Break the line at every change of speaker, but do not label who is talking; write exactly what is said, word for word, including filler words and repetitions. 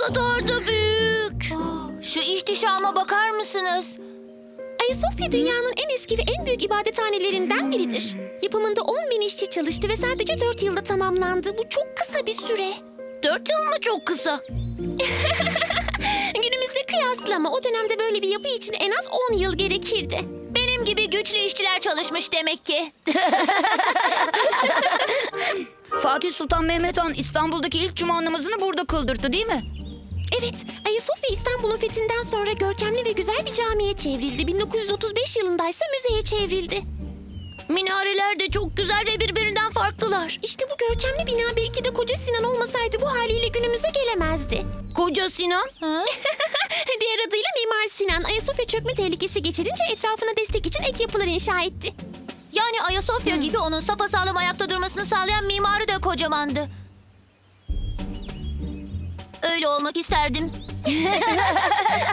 kadar da büyük. Şu ihtişama bakar mısınız?
Ayasofya dünyanın en eski ve en büyük ibadethanelerinden biridir. Yapımında on bin işçi çalıştı ve sadece dört yılda tamamlandı. Bu çok kısa bir süre.
Dört yıl mı çok kısa?
Günümüzle kıyaslama o dönemde böyle bir yapı için en az on yıl gerekirdi.
Benim gibi güçlü işçiler çalışmış demek ki.
Fatih Sultan Mehmet Han İstanbul'daki ilk cuma namazını burada kıldırdı değil mi?
Evet, Ayasofya İstanbul'un fethinden sonra görkemli ve güzel bir camiye çevrildi. bin dokuz yüz otuz beş yılındaysa müzeye çevrildi.
Minareler de çok güzel ve birbirinden farklılar.
İşte bu görkemli bina belki de Koca Sinan olmasaydı bu haliyle günümüze gelemezdi.
Koca Sinan? Ha?
Diğer adıyla Mimar Sinan, Ayasofya çökme tehlikesi geçirince etrafına destek için ek yapılar inşa etti.
Yani Ayasofya gibi onun sapasağlam ayakta durmasını sağlayan mimarı da kocamandı. Öyle olmak isterdim.